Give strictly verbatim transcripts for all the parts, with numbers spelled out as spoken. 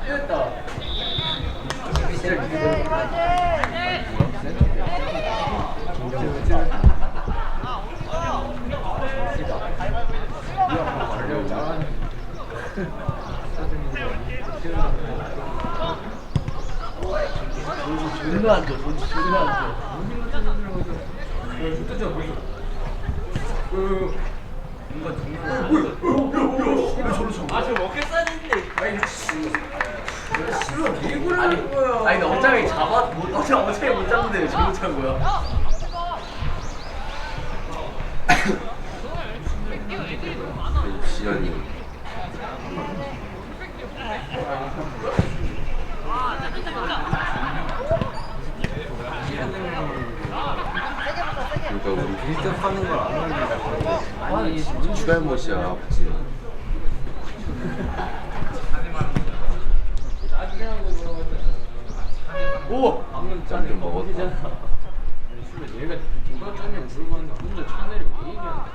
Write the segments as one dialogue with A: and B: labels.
A: 됐다. 존나 안 줘, 존나 안 줘. 좋댔잖아, 벌써. 그, 뭔가 정말. 아, 저 먹겠다는데. 아니, 싫어, 개구를 하는 거야. 아니, 나 어차피 잡아, 못, 어차피 어차피 못 잡는데 왜 저거 찬 거야?
B: 지연이. 그러니까 우리 일등 하는 걸 안 하는데 아니 주갈못이야 아버지.
A: 오!
B: 방금 짬좀 먹었다.
A: 얘가 누가 짜면 물어봤는데 혼자 차내리고 그 얘기하는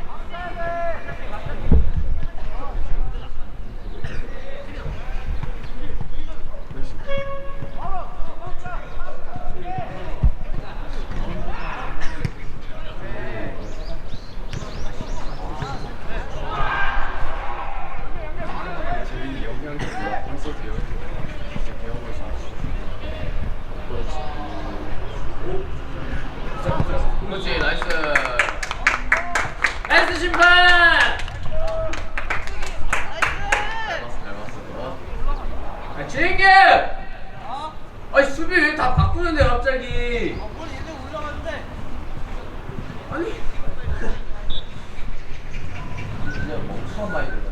A: 재민이 영양이 몰라. 벌써 배워. 진짜 배워볼 수 있어. 그렇지, 나이스. 나이스 심판. 잘 봤어, 잘 봤어. 아, 진규. 아니 수비 왜 다 바꾸는데 갑자기? 아니. 그냥 뭐 처음 많이 들어가지고.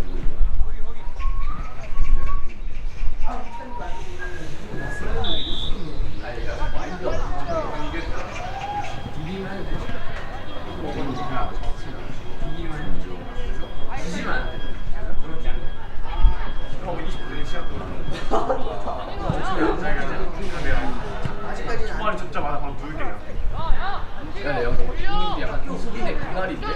C: 초반에 잡자마자 바로 누울게요.
A: 야, 여기 형님도 약간 수빈의 그날인데?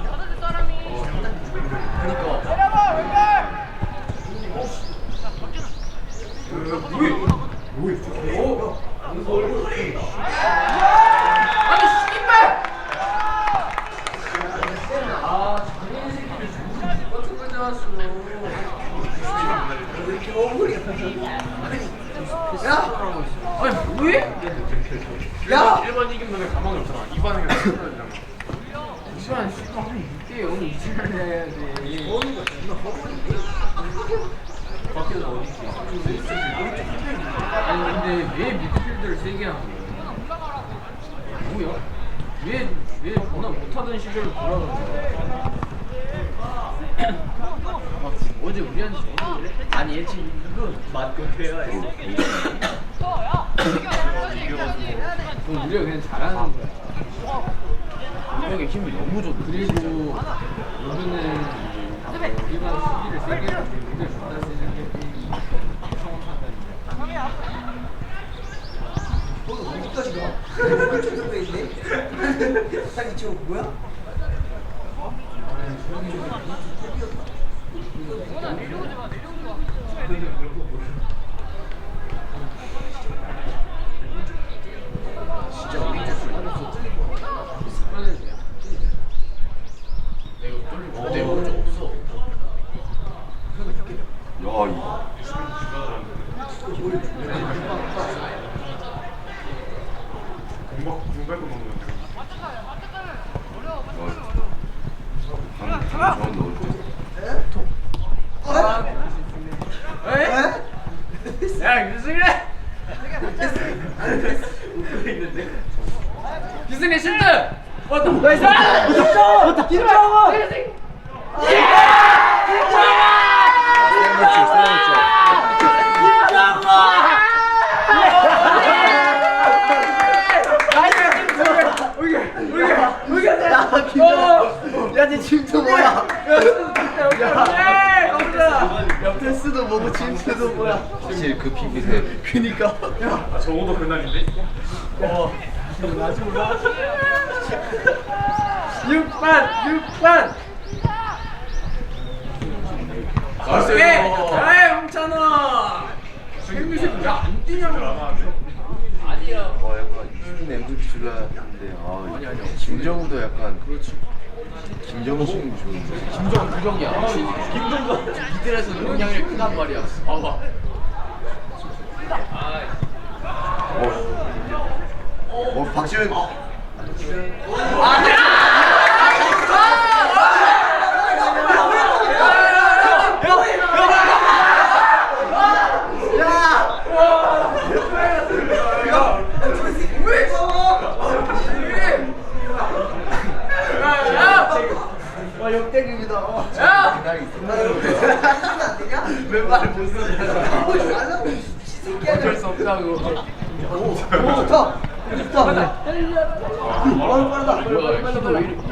A: 그니까. 아니, 씨발! 아, 장인 새끼를 존나 똑같은 거 잡았어. 왜 이렇게 억울해? 야! 아니, 뭐해? 야!
C: 일 번 이긴 놈에 가망이 없잖아. 이 번에 그냥 쓰러지잖아.
A: 이번 씨발 한 육 대 영으로 이승을 해야지. 어느 거 존나 허벌인데? 밖에서 어딨지? 아니 근데 왜 미드필드를 세게 하는 거야? 뭐야? 왜, 왜 전화 못하던 시절로 돌아가는 거야? 막 어제 우리한테 저도 그래? 아니 얘 지금 이거 맞고 해야 해. 그럼 우리가 그냥 잘하는 거야. 우리에게 힘이 너무 좋다. 그리고 여기는 우리가 수비를 세게 해서 우리를 존나 세게
D: 어, 어디까지 가? 이쪽 정도 있네? 딱 이쪽 뭐야?
A: 진짜 우리 줄 습관을 돼. 내가 뚫리고 내 오른쪽 없어.
B: 야 이.
C: 공박 공백도 먹는데.
B: 방 저건 넣어줘.
A: 아, 에? 야, 유승래! 웃고 있는데? 유승래 실드! 왔다! 나이스! 왔다! 김정원! 예!
B: 샌드위치
D: 야, 쟤 침투 뭐야?
A: 야, 패스도 뭐고 침투도 뭐야?
B: 확실히 그 핑크색.
A: 그니까.
C: 아, 저거도 그날인데?
A: 어. 아직 올라. 육 반, 육 반. 오케이. 아이, 홍찬호. 새끼 왜안 뛰냐고.
B: 아니야. 어, 약간 이승민 엠브이피 줄라 했는데 아,
A: 아니, 아니요.
B: 김정우도 약간 그렇지. 김정우 수준이 좋은데.
A: 김정은 부정이야. 김정은 이들에서 영향력이 크단 말이야. 봐봐.
B: 어, 어 박지현.
D: 와 역대급이다.
A: 야!
D: 안 되냐?
B: 왼발을 못 쓰냐.
A: 어쩔 수 없다고.
D: 오 좋다. 좋다. 어 빠르다.
A: 뭐야, 키도 왜 이렇게.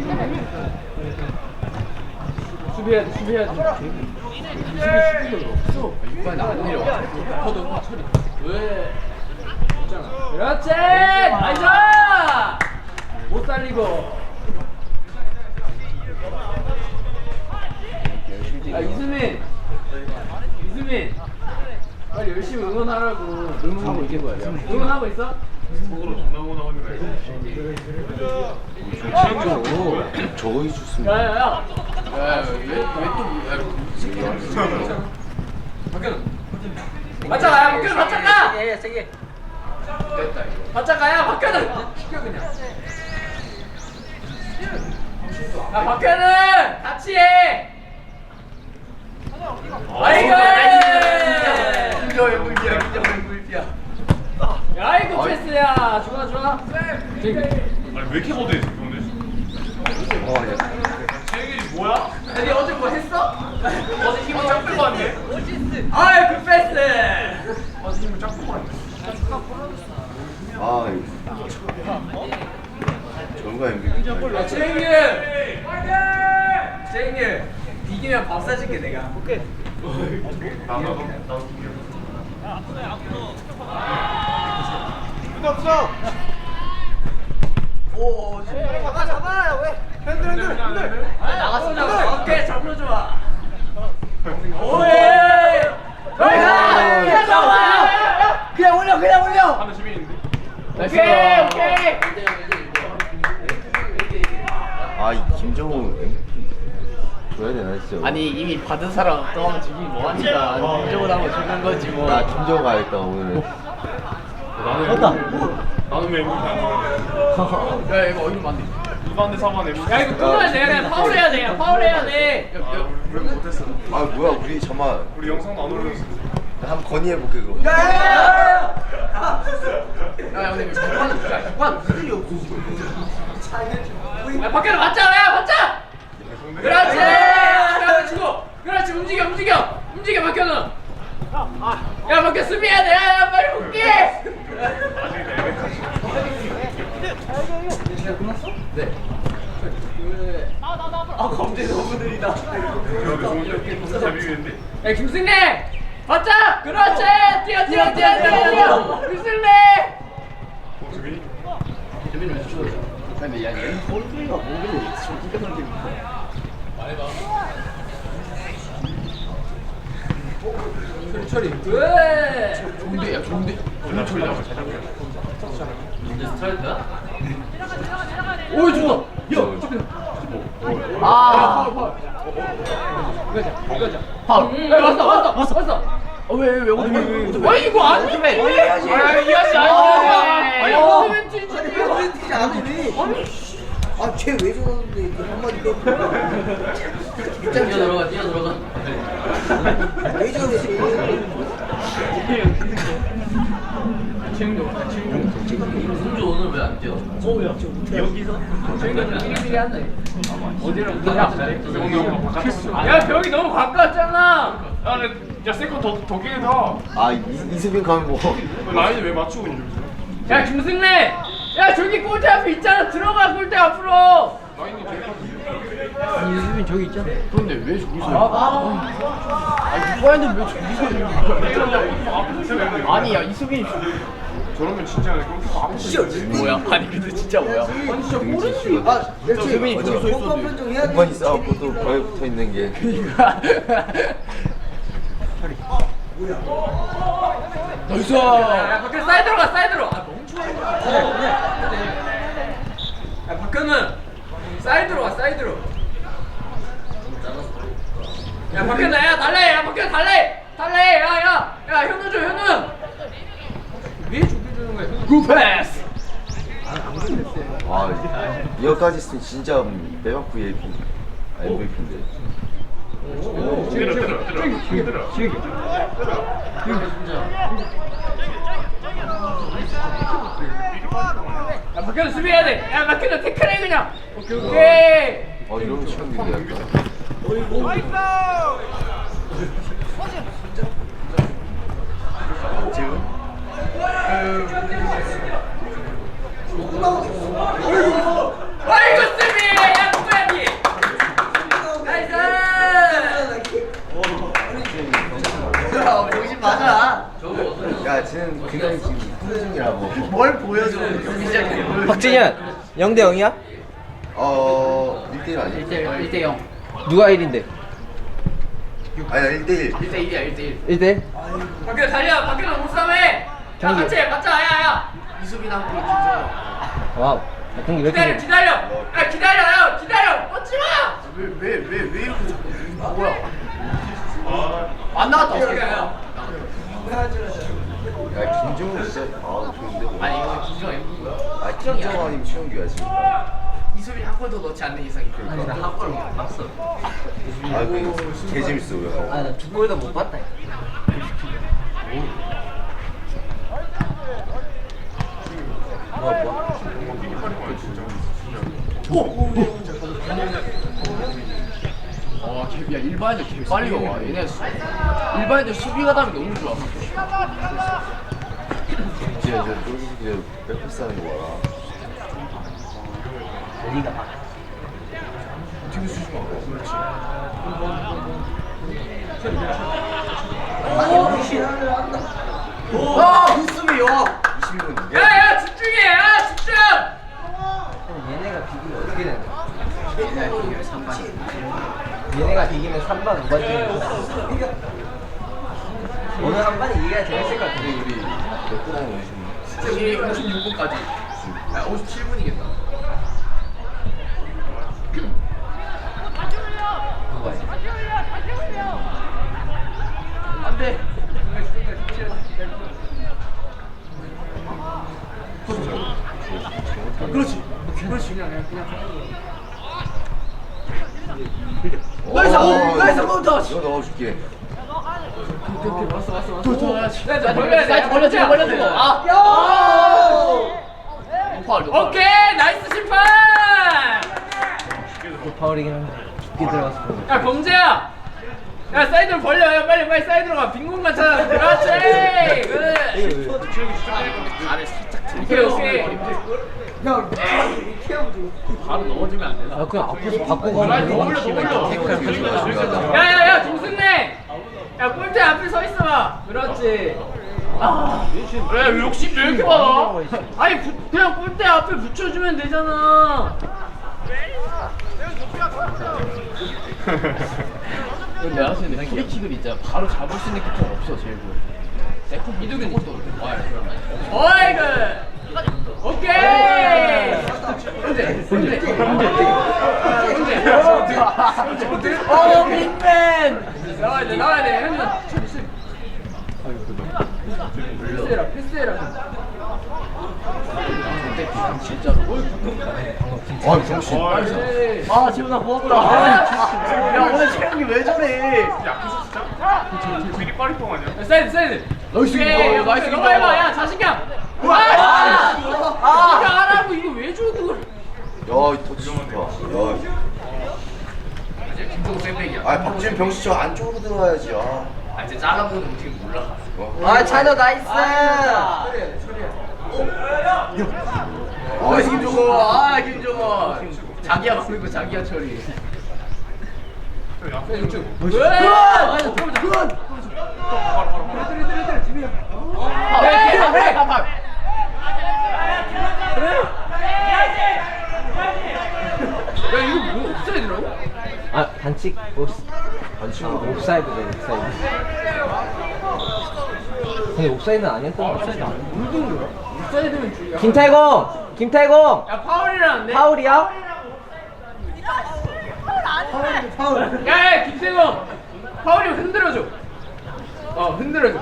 A: 수비해야 돼, 수비해야 돼. 수비 수비가 없어. 이번에 안 내려와. 커도 처리. 왜? 그렇지! 나이스! 못 살리고. 아, 이수민! 이수민! 빨리 열심히 응원하라고. 응원하고 있는 거야. 응원하고 있어?
C: 속으로 존나 원하는 거야.
B: 조치현도 저거 해줬으면.
A: 야야야! 야, 왜, 왜 또, 박현우! 맞짱가! 박현우 맞짱가!
D: 세게 세게.
A: 됐다, 이거. 맞짱가야! 박현우! 시켜, 그냥. 야, 박현우! 같이 해! 아이고!
B: 김정우 엠브이피야. 김정우 엠브이피야.
A: 아이고, 패스야! 좋아, 좋아.
C: 아니 왜 이렇게 못해 오늘?
B: 어, 야.
C: 세길이 뭐야?
A: 아니, 어제 뭐 했어?
C: 어제 힘을 쫙 빼고 왔네.
A: 아이, 그 패스!
C: 어제 힘을 쫙 빼고 왔네.
B: 아, 이거. 정가 엠브이피.
A: 야, 최인규! 최인규! 이기면 밥 사줄게, 내가. 오케이.
C: 나 나도 나도
D: 오 잡아 잡아 왜? 핸들 핸들 핸들.
A: 아, 나갔어, 나갔어. 오케이, 잡으러 좋아. 오예!
B: 아,
A: 그냥 잡아!
D: 그냥 올려 그냥 올려.
C: 하는 시민인데.
A: 오케이, 오케이!
B: 아, 이 김정우 엠브이피 줘야 되나 진짜.
A: 아니, 이미 받은 사람 또 한번 주긴 뭐하니까. 김정은 한번 주는 거지, 뭐.
B: 나 김정우 가야겠다 오늘.
C: 나는 나는 왜 이렇게 안 돼?
A: 야, 이거 어디로 만들
C: 이반대 사반에.
A: 야, 이거 끊어야 돼. 그냥 파울해야 돼. 파울해야 돼. 야, 야,
C: 우리 못했어.
B: 아 뭐야 우리 잠만
C: 우리 영상도 안 올렸어.
B: 한번 건의해볼게 그거.
A: 야, 야, 근데 객관, 야, 객관.
D: 일이 없어.
A: 야, 밖에로 맞자, 야, 맞자. 그렇지. 그렇지, 치고. 그렇지, 움직여, 움직여, 움직여, 박현우. 야, 박현 수비해야 돼. 야, 야, 빨리 볼게. 네. 아, 검지 너무 느리다.
C: 재밌는데.
A: 야, 김승래. 맞자. 그렇지. 뛰어, 뛰어, 뛰어, 뛰어, 뛰어. 김승래.
C: 어 재민이.
A: 재민이 왜 추워? 근데 야, 얘 꼴뚜기가 뭐길래 좀 뛰어놀게. 말해봐. 처리, 처리. 왜? 좋은데, 야, 좋은데.
C: 나 처리 나고 잘 잡혀.
A: 근데 스트라이크야? 오, 좋다. 야,
B: 아.
A: 아, 파울, 파울. 이거자, 이거자. 파울. 야, 왔어, 왔어, 왔어, 왔어. 어, 왜, 왜, 어디, 왜, 왜, 왜, 이거 아니? 왜,
D: 해야지.
A: 아, 이 아저씨 아니야. 아니,
D: 어.
A: 무슨 멘트지?
D: 아니 왜 뛰지 않으니? 아쟤 왜 저러는데 이렇게 한마디 빼고.
A: 뛰어 들어가, 뛰어 들어가.
D: 왜 저러지?
A: 최영도, 최영도. 승주 오늘 왜 안 뛰어?
D: 여기서?
A: 최영도 삐리삐리 한다. 어디로
C: 야,
A: 야, 벽이 너무 가까웠잖아.
C: 야, 근데 야 세컨 더더 길게 다.
B: 아 이, 이수빈 가면 뭐.
C: 라인을 왜 맞추고 있는 거지?
A: 야, 김승래. 야, 저기 골대 앞에 있잖아. 들어가, 골대 앞으로.
C: 라인이 제일
A: 아니, 유수빈 저기 있잖아. 그런데 왜 저기서? 아, 아, 이거야는 왜 저기서?
C: 앞에서
A: 아니, 야, 이수빈.
C: 저러면 진짜 골키퍼 앞에서.
A: 뭐야? 아니, 근데 진짜 뭐야?
D: 아니 진짜 모르지. 아 그렇지.
A: 수빈이
D: 어차피
A: 저기 서
D: 공간 판정해야 돼.
B: 공간이 싸웠고 또 벽에 붙어 있는 게.
A: 이거. 나이스. 야 박현 사이드로 가 사이드로. 아 멍청해. 야 박현은 사이드로 가 사이드로. 야 박현아 야 달래 야 박현 달래 달래 야야야 야 현우 줘 현우. 왜 저기 주는 거야? 굿 패스.
B: 아 이거까지 있으면 진짜 매박 브이아이피 엠브이피인데.
C: 들어 들어 들어 들어
A: 야 박현우 수비해야 돼. 야 박현우 태클해 그냥. 오케이 오케이.
B: 어 이러면 시간인데 약간. 지금?
A: 아이고 수비 야 누구야니. 나이스.
D: 야, 정신 맞아.
B: 야 쟤는 그냥 지금 후회 중이라고.
D: 뭘 보여줘? 경기 시작해.
E: 박진현 영 대 영이야?
B: 어 일 대 일 아니야?
A: 일 대 영.
E: 누가 일인데?
B: 아니야 일 대 일.
A: 일 대 일이야 일 대 일.
E: 일 대 일?
A: 박현우 달려 박현우 몸싸움해. 야
E: 경기.
A: 같이 해 맞자 야야.
D: 이수빈 한 골, 김서영.
E: 와우. 야, 경기 왜
A: 기다려
E: 이렇게
A: 기다려. 야 기다려 야 기다려. 뻗지 마.
D: 왜, 왜, 왜, 왜 이렇게 자꾸 이거 뭐야?
A: 안 나왔다. 야,
B: 야 김정은 진짜 아 좋은데.
A: 아니 이거 김정아 이거
B: 아 김정은 아니면 최영규야 지금.
A: 이수빈 한 골 더 넣지 않는 이상 이거. 아니 나한 골 못 봤어.
B: 아그 재밌어 왜?
E: 아, 나 두 골도 못 봤다.
A: 와, 개, 야 일반인들 개 빨리 와. 얘네 수, 일반인들 수비 가담이 너무 좋아.
B: 진짜 이제 똘똘이 백패스 하는 거 봐라.
E: 리가 막.
A: 뒤로 수지 마. 그렇지.
D: 와, 무수비, 와.
B: 이십일 분.
A: 야야 집중해. 야 집중.
E: 얘네가 비기면 어떻게 되는 거야?
A: 얘네 이기면 삼 반.
E: 얘네가 비기면 삼 반, 오 반 중에 오늘 한 반이 이겨야 재밌을 것 같은데.
B: 우리 몇분 하는 거지?
A: 우리 오십육 분까지. 야 오십칠 분이겠다. 안돼. 그렇지. 그렇지 그냥 그냥.
D: 나이스,
B: 어,
D: 나이스,
B: 이거-
D: 카운터.
B: 이거 넣어줄게.
A: 오케이 오케이 왔어 왔어 왔어. 자 벌려야 돼. 사이드 벌려주고 벌려주고. 아.
D: 야!
A: 파울. 오케이 나이스 심판.
E: 파울이긴 한데 깊게 들어갔어.
A: 야 범재야. 야 사이드로 벌려. 야 빨리 빨리 사이드로 가. 빈 공간 찾아. 그렇지. 그래. 오케이 오케이.
D: 야, 이렇게 하면 돼.
A: 바로 넣어주면 안 되나?
E: 아, 그냥 앞에서 바꿔 가면 돼.
A: 올려 올려. 야야야 김승래. 야 골대 앞에 서 있어봐. 그렇지. 아. 왜 욕심 왜 이렇게 많아? 아니 부, 그냥 골대 앞에 붙여주면 되잖아. 내가 봤을 때 프리킥을 이제 바로 잡을 수 있는 키퍼가 없어 제일 good. 이두근이 또 와요. 어이구. 오케이. 문제 문제 문제 문제. 오 빅맨. 나와야 돼 나와야 돼. 형님. 패스해라 패스해라. 진짜로.
B: 아 정신.
E: 아, 지훈아 고맙다.
D: 야, 오늘 채영이 왜 저래?
C: 약해서 진짜? 미리 빠리 뻥 아니야?
A: 사이드 사이드.
D: 나이스,
A: 오케이,
D: 이거, 나이스,
A: 이거
D: 이거.
A: 해봐. 야 자신감. 아,
D: 아,
A: 아, 이거 하라고 이거 왜 줘 그걸?
B: 야, 이 터치 좋다. 야.
A: 김동우 쌤백이야.
B: 아, 박지현 병수 저 안쪽으로 들어가야지. 아.
A: 아, 이제 잘라보는 어떻게 몰라.
B: 어.
E: 아, 찬호 나이스.
D: 처리해, 처리해.
A: 아, 김종호. 아, 김종호. 자기야 막는 거 자기야 처리.
C: 야,
A: 왜?
D: 굿!
A: 아,
D: 굿!
A: 왜? 왜? 가봐. 야, 이거 뭐 옵사이드라고?
E: 아, 반칙. 옵스.
B: 반칙.
E: 아, 옵사이드네, 옵사이드. 근데 옵사이드는 아니었던 거 같아.
A: 옵사이드면 줄이야.
E: 김태공! 김태공!
A: 야 파울이라는데?
E: 파울이야?
D: 파울.
A: 야야 김세공 파울이면 흔들어줘. 어 흔들어줘.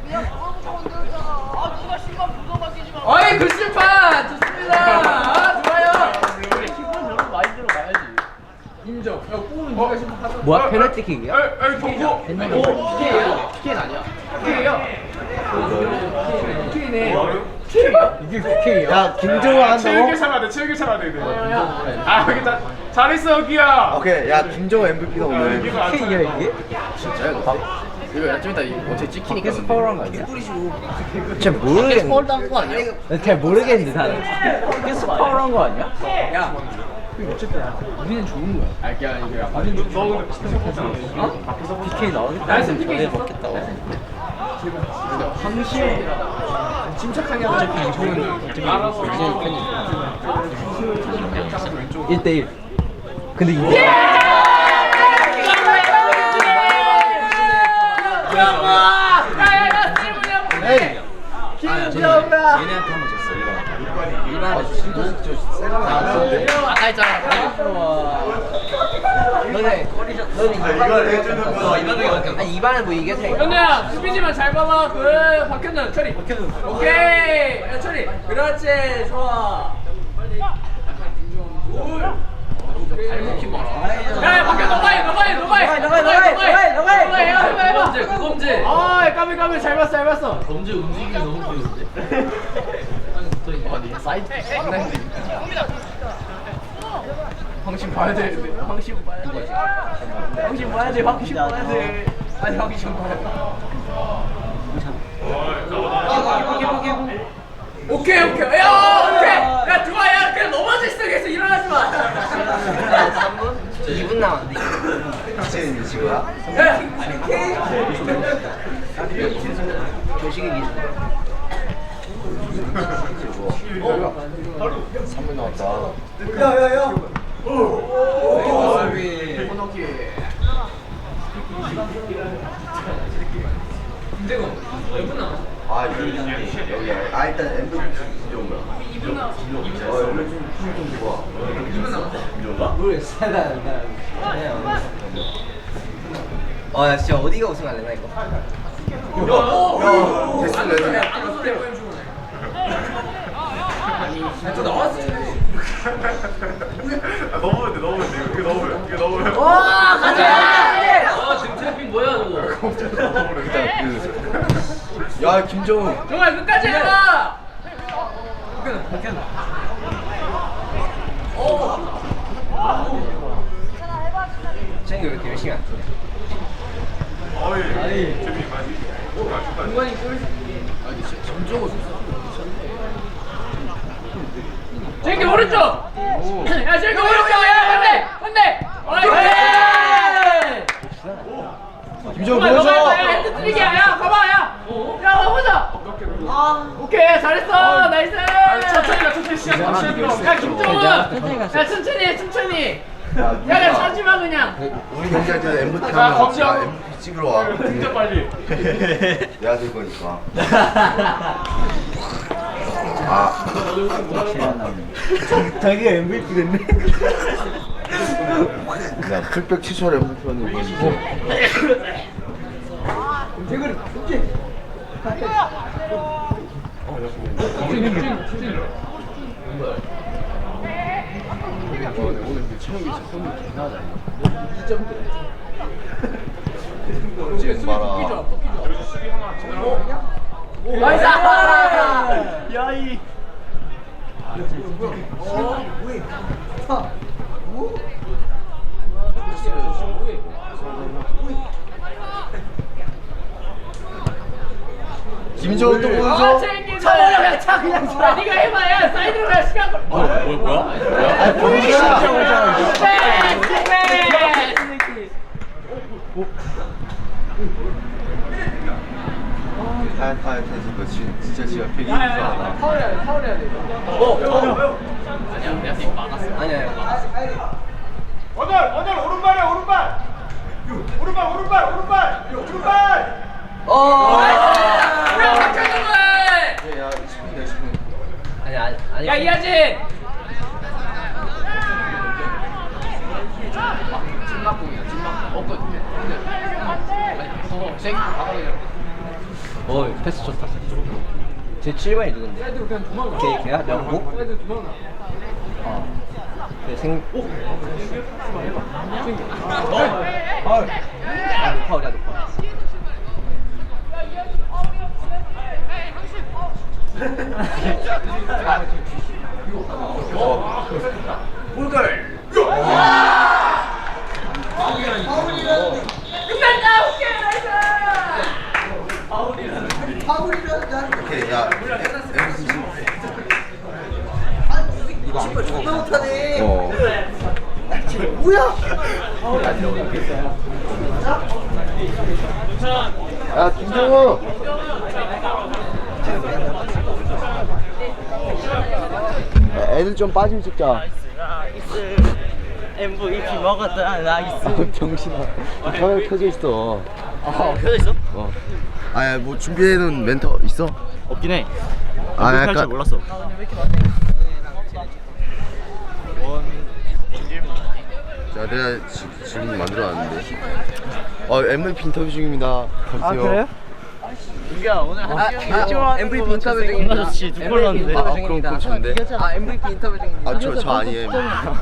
A: 어이 굿심판 좋습니다. 아 좋아요. 심판 저런 많이 들어가야지. 인정. 야 골은 누가 심판하던?
E: 뭐야? 페널티킥이야?
C: 에이 경고.
A: 피케예요? 피케는 아니야? 피케예요? 피케네. 이게 피케예요?
E: 야, 김종호
C: 체육에
E: 한다고?
C: 참아야 돼. 체육에 참아야 돼. 이거. 아 여기 다 잘했어 여기야.
B: 오케이, 야 김정호 엠브이피다 오늘.
C: 여기가 안
E: K야
C: 참아.
E: 이게?
A: 진짜요? 이거 좀 이따 어떻게 찍히니까.
E: 밖에서 파울한 거 아니야? 잘 모르겠는데.
A: 파울 당한 거 아니야?
E: 잘 모르겠는데 나는. 밖에서 파울한 거 아니야?
A: 야. 어쨌든 우리는 좋은 거야. 아, 이게 아니고 야, 우리는 좋은
C: 너 근데 진짜 못하잖아.
A: 어?
E: 밖에서 피케이 나오겠다.
A: 나이스 피케
E: 전에
A: 있었어?
E: 먹겠다.
A: 황시영이라 침착하게 하자. 정은 알아서
E: 일 대 일. 근데 이게
A: 에이. 김정아.
B: 얘네한테 한번 졌어 일반. 일반에 진짜 진짜 세가 나왔는데.
A: 아까 했잖아.
E: 너네 너네 이반을 해주는 거 이반을 아니 이반을 뭐 이게 돼?
A: 현우야 수비지만 잘 봐봐. 그 박현준 처리. 박현준. 오케이. 야 처리. 그렇지. 좋아. 잘 먹힌 봐. 야 박현준 너가 해. 너가 해. 너가 해.
E: 너가 해, 너가 해, 너가 해, 너가 해.
A: 너가 해. 해봐 해봐.
F: 검제, 그 검제.
A: 아 까비 까비 잘 봤어 잘 봤어.
F: 검제 움직임이 너무 보이는데? 땅에 붙어있네.
A: 아니 사이드 장난이. 황심 봐야 돼. 황심 봐야 돼. 황심 봐야 돼. 황심 봐야 돼. 아니 황심 봐야 돼. 오케이 오케이. 야 오케이. 야 좋아 야 그냥 넘어져 있어 계속 일어나지 마.
E: 삼 분? 이 분 남았는데.
B: 이제 지금.
A: 야.
E: 조식이 기준.
B: 삼 분 나왔다.
D: 야야야.
A: 코너킥. 김대건 몇 분 남았어?
B: 아 여기 여기. 아 일단 엠브이피 김정호야.
A: 이 분 남았어.
B: 어 여기 좀 좋아.
A: 이 분 남았어.
B: 이런가?
E: 모르겠어. 나, 나, 나. 어, 나 진짜 어디가 우승할래 나 이거.
B: 야, 됐어 레드.
A: 아니 또 나왔어.
C: 아, 넘으면 돼 넘으면 돼. 이거 넘으면 이거 넘으면.
A: 와 가자.
F: 아, 지금 트래핑 뭐야, 저거?
B: 일단 그. 야 김정호.
A: 정말 끝까지 해봐. 박현우 박현우.
E: 쟤는 왜 이렇게 열심히 안 뛰냐?
C: 어이 재미 많이. 아 좋다.
A: 공간이 쏠. 아니 진짜 점적으로 제기 오른쪽. 야 제기 오른쪽. 야 반대 반대. 어이.
B: 김정호
A: 정말 너가
B: 보여줘.
A: 해봐. 야 핸드 트릭이야. 야 가봐 야. 야 가보자. 아 오케이 잘했어. 나이스.
C: 천천히 가 천천히 시간 시간 들어.
A: 야 김종훈. 야 천천히 해 천천히. 야 그냥 차지 마 그냥.
B: 우리 경기할 때는 엠브이피
C: 자,
B: 하면
C: 검지하고.
B: 엠브이피 찍으러 와.
C: 진짜 빨리.
B: 내가 될 거니까. 아.
E: 자기가 엠브이피 됐네.
B: 야 풀백 취소할 엠브이피는 이거 진짜.
A: 대그리 오케이.
B: 오늘 근데 체력이 진짜 손이 개나다.
A: 지금 수비 뽑기죠 뽑기죠.
C: 여기서 수비 하나 지나가.
A: 나이스.
E: 야이.
B: 김정호 또
A: 아
B: 보여줘.
A: 챙기자. 차버려 차 그냥 차. 네가 해봐 야 사이드로 가 시간 걸. 뭐야 뭐야
B: 아 보여줘. 아, 아, 됐어. 진- 진짜 지금 되게 이상하다.
A: 파울해야 돼 파울해야 돼.
F: 아니야, 내한테 이거 막았어.
E: 아니야.
C: 언절 언절 오른발이야 오른발. 오른발 오른발 오른발 오른발.
E: 어.
A: 그냥 맞춰준 거야.
B: 야 이십 분이다 이십 분.
E: 아니 아니 아니.
A: 야 이하진. 찐막공이야 찐막. 없거든. 어 생.
E: 어 패스 좋다. 제 칠 번이 누군데?
A: 애들 그냥 도망가.
E: 걔 걔야 명고?
A: 애들 도망가.
E: 어. 그 생. 오. 어. 파울. 아 파울이야 파울.
B: 골걸. 오케이 야.
E: 이거 안
D: 존나 못하네.
B: 어.
D: 뭐야?
B: 야 김정우. 야, 애들 좀 빠지면 찍자.
F: 엠브이피 먹었다 나이스.
B: 아, 정신아. 카메라 켜져 있어.
F: 아 켜져 있어?
B: 어. 아야 뭐 준비해놓은 멘트 있어?
F: 없긴 해.
B: 아
F: 할 줄
B: 약간
F: 몰랐어.
B: 자 내가 지, 지금 만들어놨는데. 어 엠브이피 인터뷰 중입니다. 보세요.
F: 민규야 오늘 한
E: 아, 아, 엠브이피 인터뷰 중입니다.
F: 겁나 좋지. 두 골 넣었는데.
B: 아 그럼 그거 좋은데.
E: 아 엠브이피 인터뷰 중입니다.
B: 아 저 저 아니에요.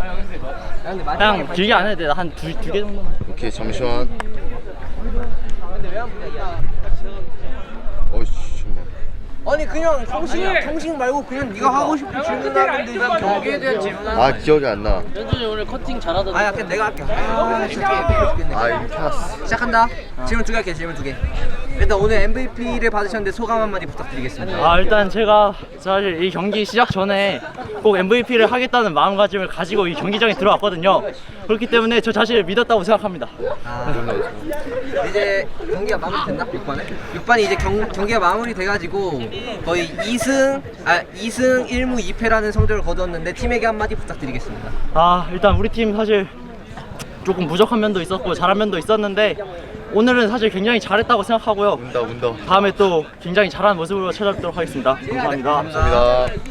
F: 그냥 길게 안 해도 돼. 한 두 두 개 정도만.
B: 오케이 잠시만.
E: 근데 왜 안 보냐?
B: 어이씨 정말.
E: 아니 그냥 형식 형식 말고 그냥 네가 하고 싶은 질문하면 돼. 그냥 경기에 대한 질문.
B: 아 기억이 안 나.
F: 연준이 오늘 커팅 잘하던데.
E: 아야 그냥 내가 할게. 아 진짜 죽겠네.
B: 아 이렇게 왔어.
E: 시작한다. 질문 두 개 할게. 질문 두 개. 일단 오늘 엠브이피를 받으셨는데 소감 한마디 부탁드리겠습니다.
F: 아 일단 제가 사실 이 경기 시작 전에 꼭 엠브이피를 하겠다는 마음가짐을 가지고 이 경기장에 들어왔거든요. 그렇기 때문에 저 자신을 믿었다고 생각합니다.
E: 아, 이제 경기가 마무리됐나? 육 반에? 육 반이 이제 경, 경기가 마무리돼가지고 거의 이 승, 아 이 승 일 무 이 패라는 성적을 거두었는데 팀에게 한마디 부탁드리겠습니다.
F: 아 일단 우리 팀 사실 조금 부족한 면도 있었고 잘한 면도 있었는데 오늘은 사실 굉장히 잘했다고 생각하고요.
B: 운다 운다.
F: 다음에 또 굉장히 잘하는 모습으로 찾아뵙도록 하겠습니다. 감사합니다.
B: 감사합니다.